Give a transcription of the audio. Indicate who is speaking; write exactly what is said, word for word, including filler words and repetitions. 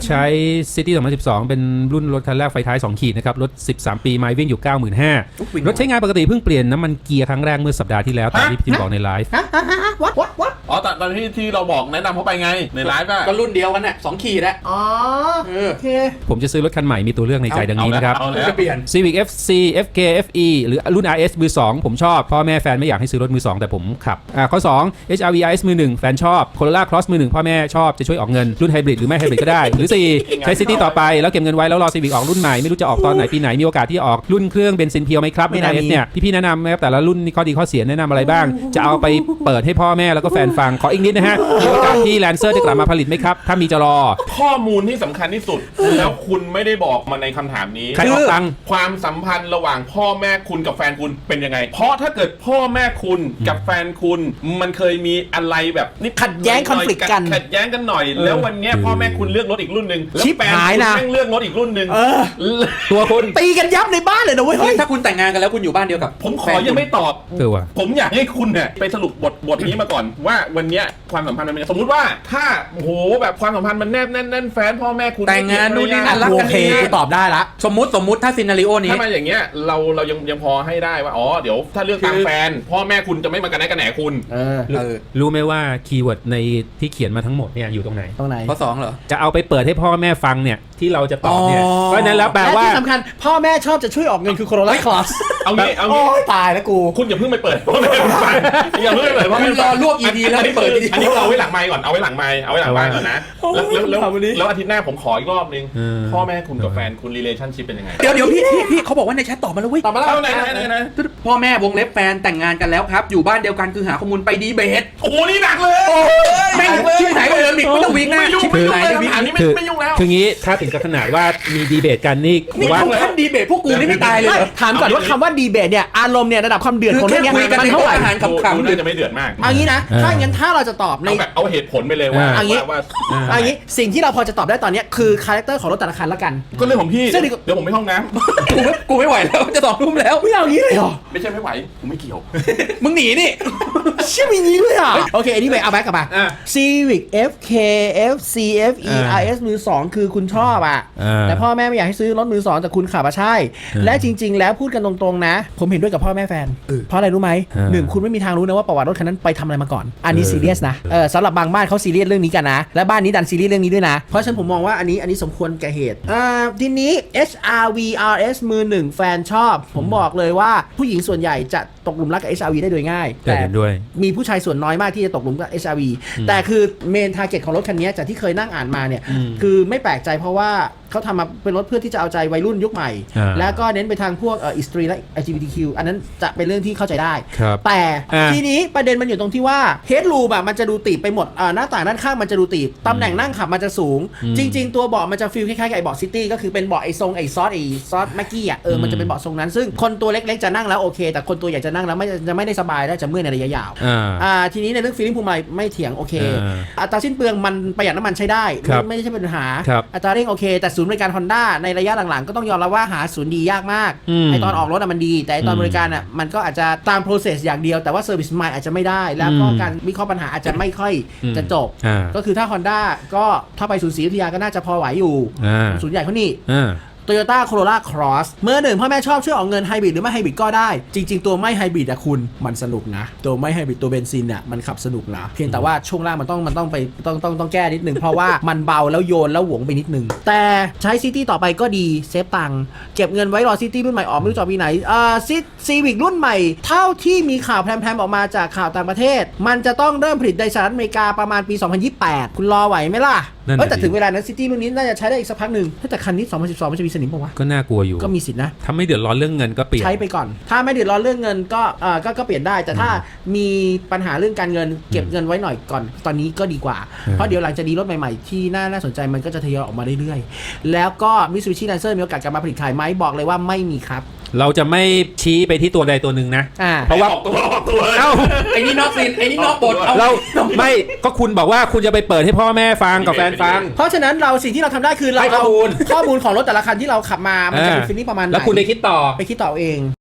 Speaker 1: ใช้ City สองพันสิบสองเป็นรุ่นรถคันแรกไฟท้ายสองขีดนะครับรถสิบสามปีไมล์วิ่งอยู่ เก้าหมื่นห้าพัน รถใช้งานปกติเพิ่งเปลี่ยนน้ำมันเกียร์ครั้งแรกเมื่อสัปดาห์ที่แล้วตามที่พี่จิมบอกในไลฟ์
Speaker 2: ฮะฮะฮะวัดวัดวัด
Speaker 3: อ๋อตอนตอนที่ที่เราบอกแนะนำเขาไปไงในไลฟ์อะ
Speaker 4: ก็รุ่นเดียวกันน่ะสองขีดอะ
Speaker 2: อ๋อ
Speaker 4: เออ
Speaker 2: โอเค
Speaker 1: ผมจะซื้อรถคันใหม่มีตัวเลือกในใจดังนี้นะครับ
Speaker 3: เอาแล้ว
Speaker 4: จะเปลี่ยน
Speaker 1: Civic เอฟ ซี เอฟ เค เอฟ อี หรือรุ่น อาร์ เอส มือสองผมชอบพ่อแม่แฟนไม่อยากให้ซื้อรถมือสองแต่ผมขับอ่าข้อสอง เอช อาร์ วี อาร์ เอส มือหนึ่งแฟนชอบ Corolla Cross มือหนึ่งพ่อแม่ชอบจะช่วยออกเงินรุ่นไฮบริดหรือไม่ไฮบริดก็ได้หรือสี่ใช้ City ต่อไปแล้วเก็บเงินไว้แล้วรอ Civic ออกรุ่นใหม่ไม่รู้จะออกตอนไหนปีไหนมีโอกาสที่ออกรุ่นเครื่องเบนซินเพียวไหมครับรุ่น อาร์ เอส เนี่ยพี่ๆแนะนำไหมครับแต่ละรุ่นนี่ข้อดีข้อเสียแนะนำอะไรบ้างจะเอาไปเปิดให้พ่อแม่แล้วก็แฟนฟังขออีกนิดนะฮะมีโอกาสที่ Lancer จะกลับมาผลิตไหมครับถ้ามีจะรอ
Speaker 3: ข้อมูลที่สำคัญที่สุด แล้วคุณไม่ได้บอกมาในคำถามนี้
Speaker 1: ใครออกตังค์
Speaker 3: ความสัมพันธ์ระหว่างพ่อแม่คุณกับแฟนคุณเป็นยังไง เพราะถ้าเกิดพ่อแม่คุณกับแฟนคุณมันเคยมีอะไรแบบนิด
Speaker 2: ขัดแย้ง conflict กัน
Speaker 3: ขัดแย้งกันหน่อย แล้ววันเนี้ยพ่อแม่คุณเลือกรถอีกรุ่นหนึ่งแล้ว
Speaker 2: ชิบ
Speaker 3: แฟน
Speaker 2: หาย
Speaker 3: คุณ
Speaker 2: นะ
Speaker 3: แม่งเลือกรถอีกรุ่นหนึ่ง
Speaker 2: เออ
Speaker 1: ตัวคุณ
Speaker 2: ตีกันยับในบ้านเลยนะเว้ยเฮ้ย
Speaker 4: ถ้าคุณแต่งงานกันแล้วคุณอยู่บ้านเดียวกับ
Speaker 3: ผมขอยังไม่ตอบ
Speaker 1: เออว่ะ
Speaker 3: ผมอยากให้คุณเนี่ยไปสรุปบทบทนี้มาก่อนว่าวันเนี้ยความสัมพันธ์มันเป็นยังไงสมมุติว่าถ้าโอ้โหแบบความสัมพันธ์มันแนบแน่นแน่นแฟนพ่อแม่คุณ
Speaker 4: แต่งงานนู่นนี่นั่นรัก
Speaker 2: โอ
Speaker 4: กัน
Speaker 2: เค
Speaker 4: ดี
Speaker 2: กูตอบได้ละ
Speaker 4: สมมุติสมมุติถ้าซีนารีโอนี้
Speaker 3: ถ้ามาอย่างเงี้ยเราเรายังยังพอให้ได้ว่าอ๋อเดี๋ยวถ้าเลือกตามแฟน พ่อแม่คุณจะไม่มากันแน่กันแหนคุณ
Speaker 2: เออ
Speaker 4: เออ
Speaker 1: รู้ไหมว่าคีย์เวิร์ดในที่เขียนมาทั้งหมดเนี่ยอยู่ตรงไหน
Speaker 2: ตรงไหน
Speaker 4: ข้อสองเหรอ
Speaker 1: จะเอาไปเปิดให้พ่อแม่ฟังเนี่ยที่เราจะตอบเนี่ย
Speaker 2: อ๋อ
Speaker 1: เพราะฉะนั้นแล้วแปล
Speaker 2: และ
Speaker 1: ว่า
Speaker 2: ที่สำคัญพ่อแม่ชอบจะช่วยออกเงินคือ Corolla Cross
Speaker 3: เอางี้เอา
Speaker 2: โอ้
Speaker 3: งี้
Speaker 2: ยตายแล้วกู
Speaker 3: คุณอย่าเพิ่งไปเปิดพ่อแม่คุณฟังอย่าเพิ่งไปเปิดพ่อแม่
Speaker 4: คุณรอรวบ อี พี แล้วไม่เปิด
Speaker 3: อัน
Speaker 4: อี
Speaker 3: นี้
Speaker 4: พี
Speaker 3: อันนี้เอาไว้หลังไมค์ก่อนเอาไว้หลังไมค์เอาไว้หลังไมค์ก่อนนะแล้วแล้วแล้ว
Speaker 2: เอาวันนี้
Speaker 3: แล้วอาทิตย์หน้าผมขออีกรอบนึง
Speaker 1: เออ
Speaker 3: พ่อแม่คุณกับแฟนคุณ relationship เป็นยังไง
Speaker 4: เดี๋ยวเดี๋ยวพี่พี่พี่เขาบอกว่าในแชทตอบมาแล้วเว้ย
Speaker 2: ตอบมาแล้ว
Speaker 3: เอาไหนไหนไหนไหน
Speaker 4: พ่อแม่วงเล็บแฟนแต่งงานกันแล้วครับอยู่บ้านเดียวกันคือหาข้อมูลไปดีเบต
Speaker 3: โอ้โหนี่หนักเลย
Speaker 4: แม่งชื่อไหนก็เดิมอีกไม่ต้องวิ่งหน้า
Speaker 3: ไม่ยุ่ง
Speaker 4: ชิบ
Speaker 3: ไม่ยุ่ง
Speaker 4: หาย
Speaker 3: เลย
Speaker 4: เลย
Speaker 3: คำถามนี้ไม่
Speaker 1: คือ
Speaker 3: ไม่ยุ่งแล้ว
Speaker 1: คืองี้ถ้าถึงกับขนาดว่ามีดีเบตกันนี่
Speaker 4: นี่
Speaker 1: ว่า
Speaker 4: ถึงขั้นดีเบตพวกกูนี่ไม่ตายเลยเหรอ
Speaker 2: ถามก่อนว่าคำว่าดีเบตเนี่ยอารมณ์เนี่ยระดับความเดือดของเรื่องเนี้ย
Speaker 4: คือแค่คุยกัน
Speaker 2: มัน
Speaker 4: ใน
Speaker 2: เท่าไหร่
Speaker 4: โต๊ะอาหาร
Speaker 3: ดูดูน่าจะไม่เดือดมาก
Speaker 2: เอางี้นะถ้าอย่างนั้นถ้าเราจะตอบใน
Speaker 3: เอาแบบเอาเหตุผลไปเลยว่า
Speaker 2: เอางี้
Speaker 3: ว่า
Speaker 2: เอางี้สิ่งที่เราพอจะตอบได้ตอนเนี้ยคือคาแรคเตอร์ของรถแต่ละคันละกัน
Speaker 3: ก็เรื่องของพี่
Speaker 2: ซึ่ง
Speaker 3: เดี๋ยวผมไปห้องน้
Speaker 4: กูไม่กูไม่ไหวแล้วจะสองทุ่มแล้ว
Speaker 2: ไม่เอาอย่างนี้เลยเหรอ
Speaker 3: ำไม่ใช่ไม่ไหวผมไม่เกี่ยว
Speaker 4: มึงหนีนี่
Speaker 2: เชื่อมีนี้ด้วยอ่ะโอเคอันนี้ไปเอาแบ็กกลับมา
Speaker 1: อ่ะ
Speaker 2: Civic เอฟ เค เอฟ ซี เอฟ อี
Speaker 1: อ่า
Speaker 2: อาร์ เอส มือสองคือคุณชอบอ่ะ
Speaker 1: อ่า
Speaker 2: แต่พ่อแม่ไม่อยากให้ซื้อรถมือสองแต่คุณขับมาใช่ และจริง ๆ แล้วพูดกันตรงๆนะ ผมเห็นด้วยกับพ่อแม่แฟน เพราะอะไรรู้ไหม
Speaker 1: อ่า
Speaker 2: หนึ่งคุณไม่มีทางรู้นะว่าประวัติรถคันนั้นไปทำอะไรมาก่อน อันนี้
Speaker 1: เออ
Speaker 2: ซีเรียสนะเออสำหรับบางบ้านเขาซีเรียสเรื่องนี้กันนะ และบ้านนี้ดันซีเรียสเรื่องนี้ด้วยนะ เพราะฉะนั้นผมมองว่าอันนี้อันนี้สมควรแก่เหตุอ่าทีนี้ เอช อาร์ วี อาร์ เอส มือหนึ่งแฟนชอบ ผมบอกเลยว่าผู้หญิงส่วนใหญ่จะตกหลุมรักกับ เอช อาร์ วี ได้โดยง่าย
Speaker 1: แต่เห็นด้วย
Speaker 2: มีผู้ชายส่วนน้อยมากที่จะตกหลุมกับ เอช อาร์ วี แต่คือเมนทาร์เก็ตของรถคันนี้จากที่เคยนั่งอ่านมาเนี่ย
Speaker 1: อืม
Speaker 2: คือไม่แปลกใจเพราะว่าเขาทำมาเป็นรถเพื่อที่จะเอาใจวัยรุ่นยุคใหม่
Speaker 1: อ่า
Speaker 2: แล้วก็เน้นไปทางพวกเอ่ออิสตรีและ แอล จี บี ที คิว อันนั้นจะเป็นเรื่องที่เข้าใจได้
Speaker 1: ครับ
Speaker 2: แต่
Speaker 1: อ่า
Speaker 2: ทีนี้ประเด็นมันอยู่ตรงที่ว่าเฮดรูมอะมันจะดูตีบไปหมดอ่าหน้าต่างด้านข้างมันจะดูตีบตำแหน่งนั่งขับมันจะสูง
Speaker 1: อืม
Speaker 2: จริง ๆ ตัวเบาะมันจะฟีลคล้ายๆกับไอ้เบาะซิตี้ก็คือเป็นเบาะไอ้ทรงไอ้ซอสไอ้ซอสแม็กกี้อะเออมันจะเป็นเบาะทรงนั้นซึ่งคนตัวเล็กๆจะนั่งแล้วโอเค แต่คนตัวใหญ่จะนั่งแล้วไม่จะไม่ได้สบายและจะเมื่อยในระยะยาว
Speaker 1: อ่า
Speaker 2: อ่าทีนี้ในเรื่องฟีลลิ่งภูมิใจไม่เถียงโอเค
Speaker 1: อ่า
Speaker 2: อัตราสิ้นเปลืองมันประหยัดน้ำมันใช้ได้
Speaker 1: ครับ
Speaker 2: ไม่ไม่ใช่ปัญหา
Speaker 1: ครับ
Speaker 2: อัตราเร่งโอเค แต่ศูนย์บริการ Honda ในระยะหลังๆ ก็ต้องยอมรับว่าหาศูนย์ดียากมาก
Speaker 1: อืม
Speaker 2: ไอตอนออกรถอะมันดี แต่ไอตอน
Speaker 1: อืม
Speaker 2: บริการอะมันก็อาจจะตาม process อย่างเดียวแต่ว่า service ใหม่อาจจะไม่ได้ แล้วก็
Speaker 1: อืม
Speaker 2: การวิเคราะห์ปัญหาอาจจะไม่ค่อย
Speaker 1: อืม
Speaker 2: จะจบ
Speaker 1: อ่า
Speaker 2: ก็คือถ้า Honda ก็ถ้าไปศูนย์ศรีอยุธยาก็น่าจะพอไหวอยู่
Speaker 1: อ่า
Speaker 2: ศูนย์ใหญ่เขานี่
Speaker 1: อ่า
Speaker 2: Toyota Corolla Cross เมื่อหนึ่งพ่อแม่ชอบช่วยออกเงินไฮบริดหรือไม่ไฮบริดก็ได้ จริง ๆ ตัวไม่ไฮบริดอะคุณมันสนุกนะ ตัวไม่ไฮบริดตัวเบนซินอะมันขับสนุกนะเพียงแต่ว่าช่วงล่างมันต้องมันต้องไปต้องต้องต้องแก้นิดนึง เพราะว่ามันเบาแล้วโยนแล้วหวงไปนิดนึง แต่ใช้ซิตี้ต่อไปก็ดีเซฟตังค์เก็บเงินไว้รอซิตี้รุ่นใหม่ออกไม่รู้จะปีไหนอ่าซิซีวิกรุ่นใหม่ เท่าที่มีข่าวแพร่ๆออกมาจากข่าวต่างประเทศ มันจะต้องเริ่มผลิตในสหรัฐอเมริกาประมาณปีสองพันยี่สิบแปดคุณรอไหวไหมล่ะ
Speaker 1: นั่นน่ะ
Speaker 2: เอ้ยแต่
Speaker 1: ดิ
Speaker 2: ถึงเวลานั้นซิตี้รุ่นนี้น่าจะใช้ได้อีกสักพักหนึ่งแต่คันนี้สองพันสิบสองมันจะมีสนิมป่าวะ
Speaker 1: ก็น่ากลัวอยู่
Speaker 2: ก็มีสิทธินะ
Speaker 1: ถ้าไม่เดือดร้อนเรื่องเงินก็เปลี่ยน
Speaker 2: ใช้ไปก่อน ถ้าไม่เดือดร้อนเรื่องเงินก็เอ่อก็ก็เปลี่ยนได้ แต่ถ้ามีปัญหาเรื่องการเงินเก็บเงินไว้หน่อยก่อน ตอนนี้ก็ดีกว่า
Speaker 1: อืม
Speaker 2: เพราะเดี๋ยวหลังจากนี้รถใหม่ๆ ที่น่าน่าสนใจมันก็จะทยอยออกมาเรื่อยๆ แล้วก็ Mitsubishi Lancer มีโอกาสกลับมาผลิตขายไหมบอกเลยว่าไม่มีครับ
Speaker 1: เราจะไม่ชี้ไปที่ตัวใดตัวหนึ่งนะ
Speaker 2: อ่า
Speaker 1: เพราะว่า
Speaker 3: ออกตัวออกตัว
Speaker 1: เอ้า
Speaker 4: ไอ้นี่นอกซีนไอ้นี่นอกบทเอา
Speaker 1: เราไม่ก็คุณบอกว่าคุณจะไปเปิดให้พ่อแม่ฟังกับแฟนฟัง
Speaker 2: เพราะฉะนั้นเราสิ่งที่เราทำได้คือเรา
Speaker 1: ให้ข้อ
Speaker 2: เอา
Speaker 1: มูล
Speaker 2: ข้อมูลของรถแต่ละคันที่เราขับมา มันจะเป็น
Speaker 1: อ่า
Speaker 2: ฟีลลิ่งประมาณไหน
Speaker 1: แล้วคุณได้คิดต่อ
Speaker 2: ไปคิดต่อเอง